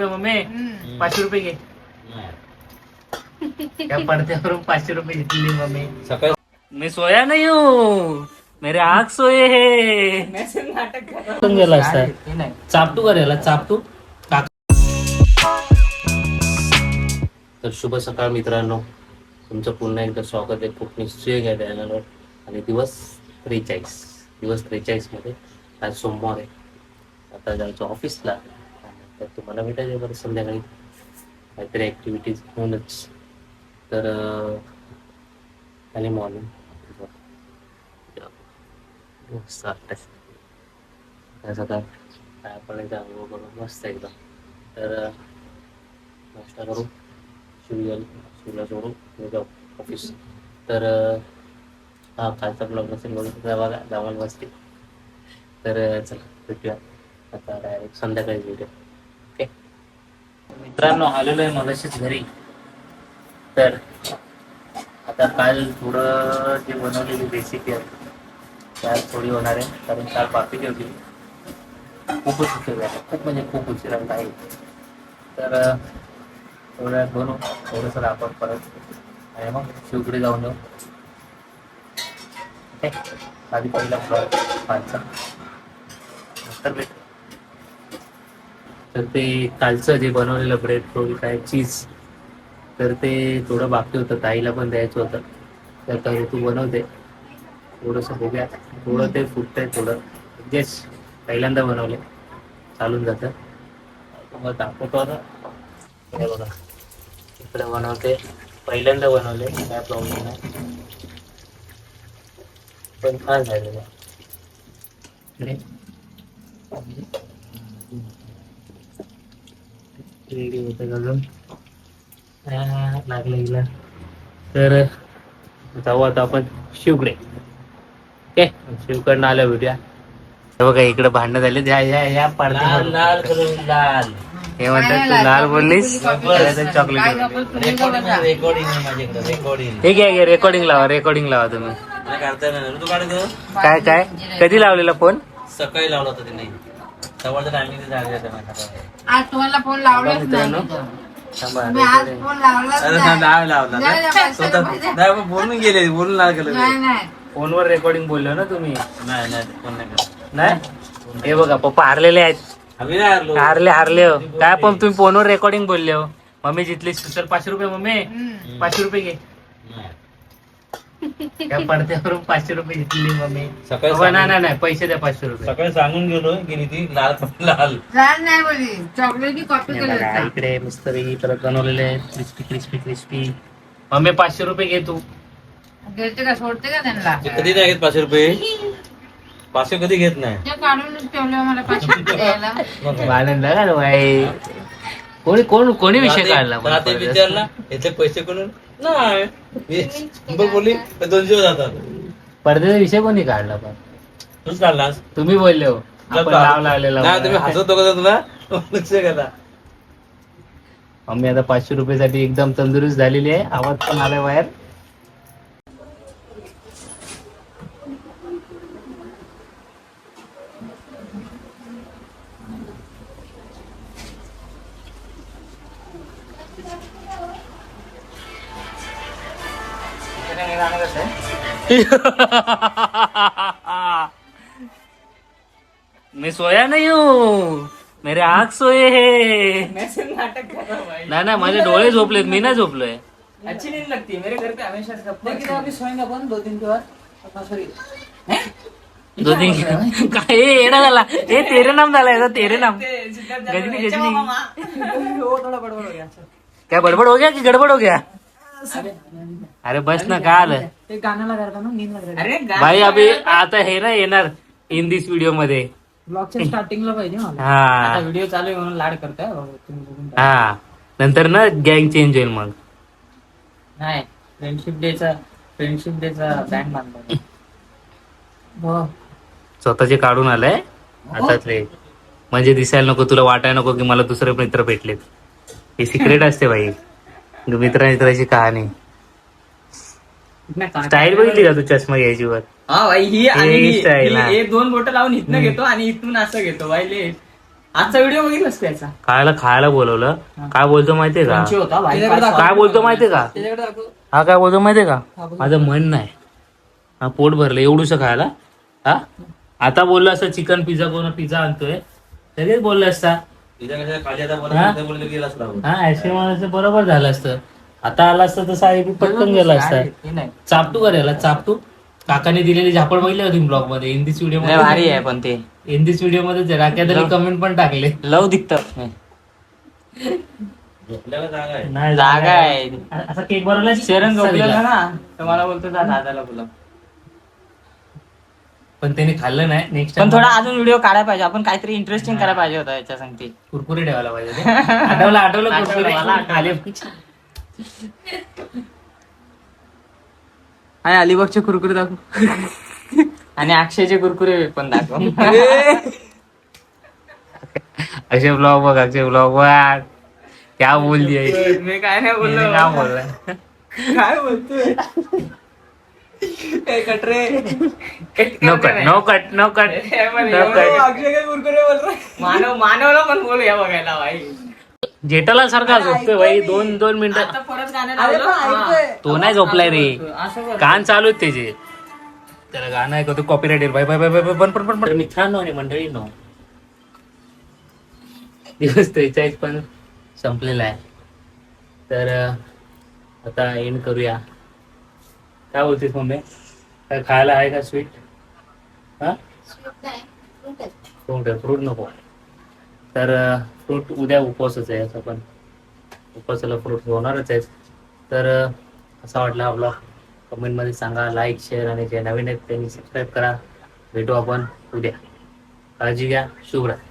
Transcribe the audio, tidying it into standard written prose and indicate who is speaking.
Speaker 1: रुपये मम्मी 500 रुपये घे. त्या पडद्यावरून 500 रुपये घेतलेली मम्मी.
Speaker 2: सकाळी
Speaker 1: मी सोया नाही हूँ, मेरे आग सोये है. गेला असता चापटू करायला चापटू. तर शुभ सकाळ मित्रांनो, तुमचं पुन्हा एकदा स्वागत आहे खूप निश्चय घ्या चॅनलवर. आणि दिवस 43 मध्ये आज सोमवार आहे. आता जायचं ऑफिसला. तर तुम्हाला भेटायचं बरं संध्याकाळी काहीतरी ॲक्टिव्हिटीज होऊनच. तर आणि मॉर्निंग सकाळ काय आपण एकदा अनुभव करू मस्त एकदम. तर नाश्ता करू, शिवला सोडू जाऊ ऑफिस. तर हा कालचा ब्लॉग नसेल बघू बघा जावाल बसते. तर चला भेटूया आता डायरेक्ट संध्याकाळी भेटूया. ओके मित्रांनो, आलेलो आहे मगाशीच घरी. तर आता काल थोडं जे बनवलेली रेसिपी आहे त्यात थोडी होणार आहे, कारण काल बाकीची होती. खूपच उशीर झाला, खूप म्हणजे खूप उशीर आहे. तर थोड्या बनवू थोडंसं आपण परत आणि मग शिवकडे जाऊन येऊ. ओके आधी पहिला ब्लॉग कालचा नंतर भेट. तर ते कालचं जे बनवलेलं ब्रेड रोल काय चीज, तर ते थोडं बाकी होतं, ताईला पण द्यायचं होतं. तर ताई तू बनवते थोडंसं बघूया. थोडं ते फुटतंय थोडं, जस्ट पहिल्यांदा बनवले चालून जातं. तुम्हाला दाखवतो आता. हे बघा इकडे बनवते, पहिल्यांदा बनवले काय प्रॉब्लेम नाही, पण छान झालेलं आहे. रेडी होतं अजून लागलं गेला. तर जाऊ आता आपण शिवकडे. ओके शिवकडनं आल्या भेटूया. हे बघा इकडे भांडणं झाले. या पडद्यावर
Speaker 2: लाल करून लाल
Speaker 1: हे म्हणतात तू लाल बोललीस चॉकलेट.
Speaker 2: रेकॉर्डिंग आहे माझ्याकडे. रेकॉर्डिंग
Speaker 1: हे घ्या रेकॉर्डिंग लावा तुम्ही.
Speaker 2: काढता नाही तू काढतो.
Speaker 1: काय कधी लावलेला फोन?
Speaker 2: सकाळी लावला होता तिने. सवारचा टायमिंग झाले
Speaker 3: आज तुम्हाला फोन लावलाच
Speaker 1: मित्रांनो
Speaker 3: नाही. मी आज फोन लावलाच
Speaker 2: लावला बोलून गेले बोलून लाल केलं.
Speaker 3: नाही.
Speaker 1: फोनवर रेकॉर्डिंग बोललो ना तुम्ही?
Speaker 2: नाही फोन नाही केला.
Speaker 1: नाही हे बघा पप्पा हारलेले आहेत.
Speaker 2: आम्ही नाही हारलो.
Speaker 1: हारले हो काय. पण तुम्ही फोनवर रेकॉर्डिंग बोलले हो. मम्मी जितली तर 500 रुपये मम्मी 500 रुपये घे. त्या पडद्यावरून 500 रुपये घेतलेली मम्मी.
Speaker 2: सकाळी
Speaker 1: नाही पैसे द्या 500 रुपये.
Speaker 2: सकाळी सांगून गेलो गेली ती लाल लाल.
Speaker 3: लाल नाही बोली, चॉकलेटची कॉपी केली होती.
Speaker 1: इकडे मस्त परत बनवलेले आहेत क्रिस्पी. मम्मी 500 रुपये घे तू.
Speaker 3: घेते का सोडते का त्यांना?
Speaker 2: कधी नाही घेत 500 रुपये. 500 कधी घेत नाही.
Speaker 3: ते काढून ठेवले मला 500 रुपये द्यायला.
Speaker 1: आनंद झाला बाई. कोणी विषय काढला मला
Speaker 2: ते विचारला याचे पैसे कोण नाही बोलली 200 जातात.
Speaker 1: पडद्याचा विषय कोणी काढला? पण
Speaker 2: तूच काढलास.
Speaker 1: तुम्ही बोलले हो आपण नाव लावलेलं.
Speaker 2: नाही तुम्ही हसत होता तुला लक्ष गेला.
Speaker 1: मम्मी आता 500 रुपयासाठी एकदम तंदुरुस्त झालेली आहे. आवाज पण आलाय बाहेर. मैं सोया नहीं हूँ, मेरे आग सोये है. नाही माझे डोळे झोपलेत, मी नाही झोपलोय.
Speaker 4: अच्छी नींद लगती है मेरे घर पे हमेशा से. लेकिन अभी सोएंगे अपन 2 दिन के बाद. सॉरी
Speaker 1: 2 दिन काय येडा झाला. हे तेरे नाम झाला याचा. तेरे नाम गजनी
Speaker 4: वो थोड़ा बड़बड़ हो गया.
Speaker 1: क्या बडबड हो गया की गडबड हो गया? अरे बस ना काय आलं.
Speaker 4: ते गाना लगा रहा था ना, नींद लग रही. अरे
Speaker 1: भाई अभी आता हे ना येणार इन दिस व्हिडिओ मध्ये.
Speaker 4: ब्लॉगच्या स्टार्टिंगला पाहिजे मला.
Speaker 1: हा
Speaker 4: व्हिडिओ चालू आहे म्हणून लाड करताय तुम्ही बघून.
Speaker 1: हा नंतर ना गँग चेंज होईल मग.
Speaker 4: नाही फ्रेंडशिप डेचा बँड बांधला. हो
Speaker 1: स्वतःचे काढून आलाय हातातले, म्हणजे दिसायला नको, तुला वाटायला नको की मला दुसरे मित्र भेटलेत. हे सिक्रेट असते भाई मित्राची कहाणी. स्टाईल बघितली का तू चष्मा घ्यायची वर?
Speaker 4: हा भाई ही
Speaker 1: हे style, हा.
Speaker 4: एक 2 बोट लावून इथनं घेतो आणि इथून असं घेतो भाई. आजचा व्हिडिओ बघितलास का याचा?
Speaker 1: खायला खायला बोलवलं. काय बोलतो माहितीये का?
Speaker 4: क्रंची होता भाई.
Speaker 1: काय बोलतो माहितीये का?
Speaker 4: त्याच्याकडे दाखव.
Speaker 1: हा काय बोलतो माहितीये का?
Speaker 4: हा, बोल.
Speaker 1: माझं मन नाही. हा पोट भरलं एवढूस खायला. हा आता बोललो असं चिकन पिझ्झा कोण पिझ्झा आणतोय तरीच बोललं असता.
Speaker 2: तिच्या कशा खाली आता
Speaker 1: हा?
Speaker 2: बोलले गेलाच लागू.
Speaker 1: हा ऍक्च्युअली मला बरोबर झालं असतं. आता आला असतं तर साहेब पटकन गेला असता.
Speaker 4: हे नाही.
Speaker 1: चापटू करायला चापटू काकाने दिलेली झापड बघितली होती ब्लॉग मध्ये हिंदीच व्हिडिओ
Speaker 4: लय भारी आहे
Speaker 1: मध्ये
Speaker 4: पण ते
Speaker 1: हिंदीच व्हिडिओ मध्ये राख्या तरी कमेंट पण टाकले.
Speaker 4: लव दिखत
Speaker 2: झोपल्याला जागा आहे.
Speaker 1: नाही
Speaker 4: जागा आहे.
Speaker 1: असा केक बनवला
Speaker 4: शरण झोपलेला ना तर मला बोलतो जा दादाला बोला.
Speaker 1: पण त्याने खाल्लं नाही. नेक्स्ट
Speaker 4: पण थोडा अजून व्हिडिओ काढायला पाहिजे आपण काहीतरी इंटरेस्टिंग करायला पाहिजे होता याच्या सांगते.
Speaker 1: कुरकुरे ठेवायला पाहिजे ते. आठवलं कुरकुरे
Speaker 4: मला आठवलं.
Speaker 1: आले.
Speaker 4: आणि अलिबागचे कुरकुरे दाखव आणि अक्षयचे कुरकुरे पण दाखव.
Speaker 1: अक्षय ब्लॉग बघ अक्षय ब्लॉग बघ क्या बोल दिया.
Speaker 4: मी काय नाही
Speaker 1: काय
Speaker 4: बोललो.
Speaker 1: बोलला
Speaker 4: काय बोलतोय ए, कट रे.
Speaker 1: No cut no cut no cut no cut.
Speaker 4: Akshay काय कुरकुरे बोल रहा है? मानवला पण बोलूया बघायला भाई.
Speaker 1: जेठालाल सारखा झोपतोय भाई. दोन मिनिटं
Speaker 4: आता परत गाणं लावलं. हा.
Speaker 1: तो नाही झोपलाय रे.
Speaker 4: असं कर.
Speaker 1: कान चालू आहेत त्याचे. त्याला गाणं ऐकतो कॉपीराइट येईल. बाय बाय बाय बाय पण मित्रांनो आणि मंडळींनो दिवस 43 पण संपलेला आहे. तर आता एंड करूया. काय बोलतेस मम्मी? काय खायला आहे का स्वीट? हा फ्रूट नको. तर फ्रूट उद्या उपवासच आहे. असं पण उपवासाला फ्रूट होणारच आहे. तर असा वाटला हा ब्लॉग कमेंटमध्ये सांगा. लाईक शेअर आणि जे नवीन आहेत त्यांनी सबस्क्राईब करा. भेटू आपण उद्या. काळजी घ्या. शुभ रात्री.